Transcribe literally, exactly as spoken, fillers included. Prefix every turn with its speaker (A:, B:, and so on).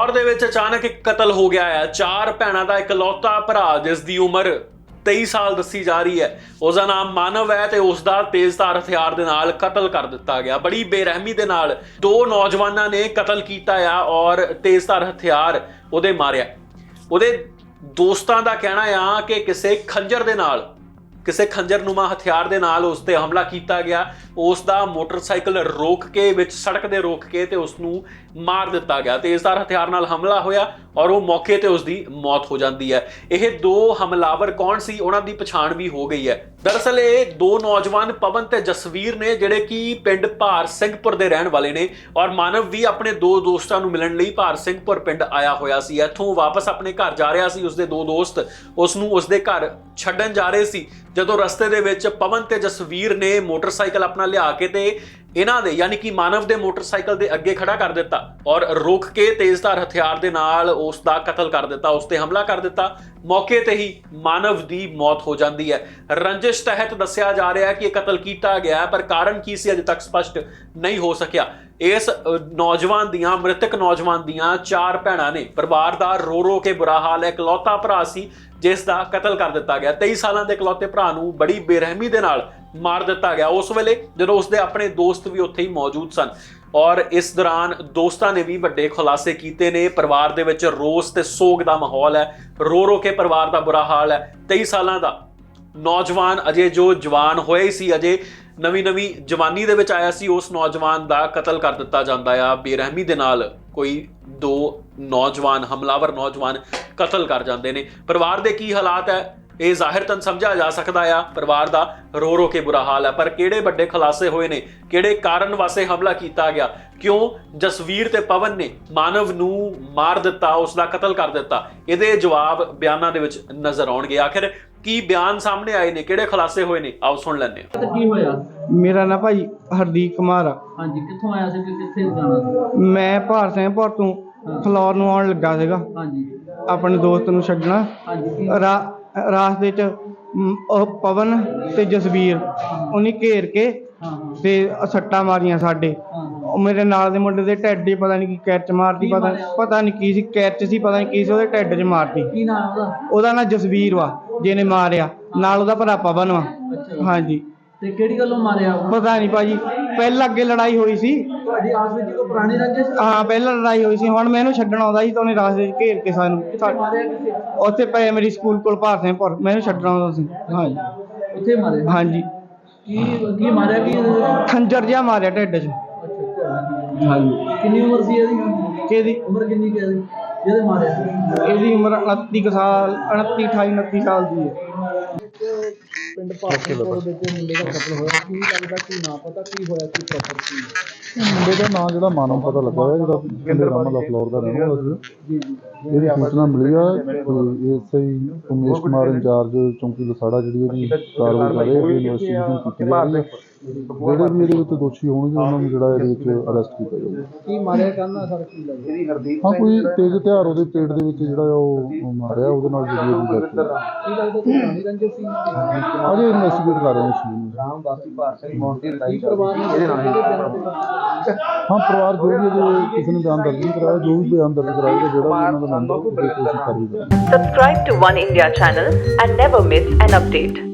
A: ਫਿਲੌਰ ਦੇ ਵਿੱਚ ਅਚਾਨਕ ਇੱਕ ਕਤਲ ਹੋ ਗਿਆ ਹੈ। ਚਾਰ ਭੈਣਾਂ ਦਾ ਇਕਲੌਤਾ ਭਰਾ ਜਿਸ ਦੀ ਉਮਰ तेई साल दसी जा रही है, उसका नाम मानव है ते उसका तेजधार हथियार दे नाल कतल कर दिता गया। बड़ी बेरहमी दे नाल दो नौजवानों ने कतल किया आ और तेजधार हथियार उहदे मारिया। उहदे दोस्तां दा कहना आ कि किसी खंजर दे नाल किसी खंजरनुमा हथियार दे नाल उस ते हमला किया गया। उसका मोटरसाइकिल रोक के विच सड़क दे रोक के ते उसनू मार दिता गया। तेजधार हथियार नाल हमला होया और वो मौके ते उसकी मौत हो जाती है। यह दो हमलावर कौन सी उन्हां दी पछाण भी हो गई है। दरअसल ये दो नौजवान पवन ते जसवीर ने जिहड़े कि पिंड भार सिंहपुर दे रहण वाले ने और मानव भी अपने दो दोस्तां नू मिलण लई भार सिंहपुर पिंड आया होया सी। इत्थों वापस अपने घर जा रहा सी। उसदे दो दोस्त उसनू उसदे घर छड्डण जा रहे सी। जदों रस्ते दे विच पवन ते जसवीर ने मोटरसाइकिल अपना लिया के ते इन्हां दे यानी कि मानव दे मोटरसाइकिल दे अगे खड़ा कर दिता और रोक के तेजधार हथियार दे नाल उसदा कतल कर दिता, उस ते हमला कर दिता। मौके ते ही मानव दी मौत हो जाती है। रंजिश तहत दस्सिया जा रहा है कि कतल किया गया, पर कारण की सी अजे तक स्पष्ट नहीं हो सकिया। इस नौजवान दियां मृतक नौजवान दियां चार भैणां ने। परिवार दा रो रो के बुरा हाल है। इकलौता भरा सी जिस दा कतल कर दिता गया। तेई सालां दे इकलौते भरा नूं बड़ी बेरहमी दे नाल मार दिता गया उस वेले जदों उसदे अपने दोस्त भी उत्थे ही मौजूद सन। और इस दौरान दोस्तां ने भी वड्डे खुलासे कीते ने। परिवार दे विच रोस ते सोग दा माहौल है। रो रो के परिवार दा बुरा हाल है। तेई सालां दा नौजवान अजे जो जवान होया ही सी, अजे नवी नवी जवानी दे विच आया सी, उस नौजवान दा कतल कर दिता जांदा आ बेरहमी दे नाल। कोई दो नौजवान हमलावर नौजवान कतल कर जाते हैं। परिवार के की हालात है ये जाहिरतन समझा जा सकता है। परिवार का रो रो के बुरा हाल है, पर किहड़े वड्डे खुलासे होए ने, किहड़े कारण वास्ते हमला किया गया, क्यों जसवीर ते पवन ने मानव नू मार दिता, उसका कतल कर दिता, इहदे जवाब बयानां दे विच नज़र आउणगे। आखिर की बयान सामने आए ने, किहड़े खुलासे होए ने, आओ सुन लैंदे हां।
B: की होया?
C: मेरा ना भाई हरदीप कुमार आ।
B: हाँ जी, कित्थों आया सी, कित्थे जाना सी?
C: मैं भार सिंहपुर तो फलौर ਨੂੰ ਆਉਣ ਲੱਗਾ ਸੀਗਾ।
B: हाँ जी,
C: ਆਪਣੇ ਦੋਸਤ ਨੂੰ ਛੱਡਣਾ।
B: हाँ जी,
C: ਰਾ- ਰਾਸਤੇ 'ਚ ਮ, ਉਹ ਪਵਨ ਤੇ ਜਸਵੀਰ ਉਹਨੇ ਘੇਰ ਕੇ
B: हाँ हाँ
C: ਤੇ ਸੱਟਾਂ ਮਾਰੀਆਂ ਸਾਡੇ।
B: हाँ हाँ।
C: ਉਹ ਮੇਰੇ ਨਾਲ ਦੇ ਮੁੰਡੇ ਦੇ ਢਿੱਡ 'ਚ ਪਤਾ ਨਹੀਂ ਕੀ ਕੈਚ ਮਾਰਦੀ, ਪਤਾ ਪਤਾ ਨਹੀਂ ਕੀ ਸੀ, ਕੈਚ ਸੀ ਪਤਾ ਨਹੀਂ ਕੀ ਸੀ, ਉਹਦੇ ਢਿੱਡ 'ਚ ਮਾਰਦੀ।
B: की नाम है ਉਹਦਾ?
C: ਉਹਦਾ ਨਾਂ ਜਸਵੀਰ ਵਾ ਜਿਹਨੇ ਮਾਰਿਆ, ਨਾਲ ਉਹਦਾ ਭਰਾ ਪਵਨ ਵਾ।
B: ਅੱਛਾ।
C: ਹਾਂਜੀ,
B: ਤੇ ਕਿਹੜੀ ਗੱਲੋਂ ਮਾਰਿਆ ਉਹ?
C: ਪਤਾ ਨਹੀਂ ਭਾਜੀ, ਪਹਿਲਾਂ ਅੱਗੇ ਲੜਾਈ ਹੋਈ ਸੀ।
B: ਤੁਹਾਡੀ ਆਸ ਵਿੱਚ ਕੋਈ ਪੁਰਾਣੀ ਰੰਜਿਸ਼?
C: ਹਾਂ ਪਹਿਲਾਂ ਲੜਾਈ ਹੋਈ ਸੀ। ਹੁਣ ਮੈਂ ਇਹਨੂੰ ਛੱਡਣ ਆਉਂਦਾ ਸੀ ਤਾਂ ਉਹਨੇ ਰਾਸਤੇ 'ਚ ਘੇਰ ਕੇ ਸਾਨੂੰ
B: ਕਿੱਥੇ ਮਾਰਿਆ, ਕਿੱਥੇ?
C: ਉੱਥੇ ਪਏ ਮੇਰੀ ਸਕੂਲ ਕੋਲ ਭਾਰ ਸਿੰਘਪੁਰ। ਮੈਂ ਇਹਨੂੰ ਛੱਡਣ ਆਉਂਦਾ ਸੀ। ਹਾਂਜੀ
B: ਉੱਥੇ ਮਾਰਿਆ?
C: ਹਾਂਜੀ,
B: ਕੀ ਕੀ ਮਾਰਿਆ ਕੀ ਇਹਦੇ ਵਿੱਚ?
C: ਖੰਜਰ ਜਿਹਾ ਮਾਰਿਆ ਢਿੱਡ 'ਚ।
B: ਅੱਛਾ।
C: ਹਾਂਜੀ।
B: ਕਿੰਨੀ ਉਮਰ ਸੀ ਇਹਦੀ?
C: ਕਿਹਦੀ?
B: ਉਮਰ ਕਿੰਨੀ ਕੁ ਹੈ ਇਹਦੀ ਜਿਹਦੇ ਮਾਰਿਆ?
C: ਇਹਦੀ ਉਮਰ ਉਨੱਤੀ ਕੁ ਸਾਲ, ਉਨੱਤੀ ਅਠਾਈ ਉਨੱਤੀ ਸਾਲ ਦੀ ਹੈ।
B: ਪਿੰਡ ਭਾਰਤਪੁਰ ਦੇ ਵਿੱਚ ਮੁੰਡੇ ਦਾ ਕਤਲ ਹੋਇਆ, ਕੀ ਲੱਗਦਾ, ਕੀ ਨਾ ਪਤਾ ਕੀ ਹੋਇਆ, ਕੀ ਪ੍ਰੋਪਰ ਕੀ?
D: ਮੁੰਡੇ ਦਾ ਨਾਂ ਜਿਹੜਾ ਮਾਨਵ ਪਤਾ ਲੱਗਾ ਹੈ, ਜਿਹੜਾ ਪਿੰਡ ਰਾਮਾ ਦਾ ਫਲੋਰ ਦਾ ਰਹਿਣ ਵਾਲਾ ਸੀ।
B: ਜੀ ਜੀ।
D: ਇਹਦੀ ਸੂਚਨਾ ਮਿਲੀ ਆ ਤੇ ਐਸਆਈ ਉਮੇਸ਼ ਕੁਮਾਰ ਇੰਚਾਰਜ ਚੌਂਕੀ ਲਸਾੜਾ ਜਿਹੜੀ ਇਹਦੀ ਕਾਰਵਾਈ ਕਰ ਰਹੇ ਆ, ਇਨਵੈਸਟੀਗੇਸ਼ਨ ਕੀਤੀ ਜਾ ਰਹੀ ਹੈ। ਜਿਹੜੇ ਵੀ ਇਹਦੇ ਵਿੱਚ ਦੋਸ਼ੀ ਹੋਣਗੇ ਉਹਨਾਂ ਨੂੰ ਜਿਹੜਾ ਇਹਦੇ ਵਿੱਚ ਅਰੈਸਟ ਕੀਤਾ ਜਾਊਗਾ।
B: ਕੀ ਮਾਰਿਆ ਕਰਨਾ ਸਰ, ਕੀ ਲੱਗਦਾ?
D: ਹਾਂ ਕੋਈ ਤੇਜ਼ ਹਥਿਆਰ ਉਹਦੇ ਪੇਟ ਦੇ ਵਿੱਚ ਜਿਹੜਾ ਉਹ ਮਾਰਿਆ, ਉਹਦੇ ਨਾਲ ਜਿਹੜੀ ਉਹਦੀ ਡੈਥ ਹੋਈ।
B: ਕੀ ਲੱਗਦਾ ਕੋਈ ਪੁਰਾਣੀ ਰੰਜਿਸ਼ ਸੀ?
D: ਅਜੇ ਇਨਵੈਸਟੀਗੇਟ ਕਰ ਰਹੇ ਹਾਂ ਇਸ ਚੀਜ਼ ਨੂੰ।
B: ਰਾਮ ਵਾਸੀ ਭਾਰ ਸਿੰਘ ਮੌਂਟੀ ਲੜਾਈ ਪਰਿਵਾਰ ਨੇ ਇਹਦੇ ਨਾਲ
D: ਹਾਂ ਪਰਿਵਾਰ ਜੋ ਵੀ ਇਹਦੇ ਕਿਸੇ ਨੇ ਬਿਆਨ ਦਰਜ ਨਹੀਂ ਕਰਾਇਆ, ਜੋ ਵੀ ਬਿਆਨ ਦਰਜ ਕਰਾਏਗਾ ਜਿਹੜਾ ਵੀ ਉਹਨਾਂ ਦਾ ਮੈਂਬਰ ਉਹਦੇ ਕੋਸ਼ਿਸ਼ ਕਰੇਗਾ।
E: Subscribe to One India channel and never miss an update.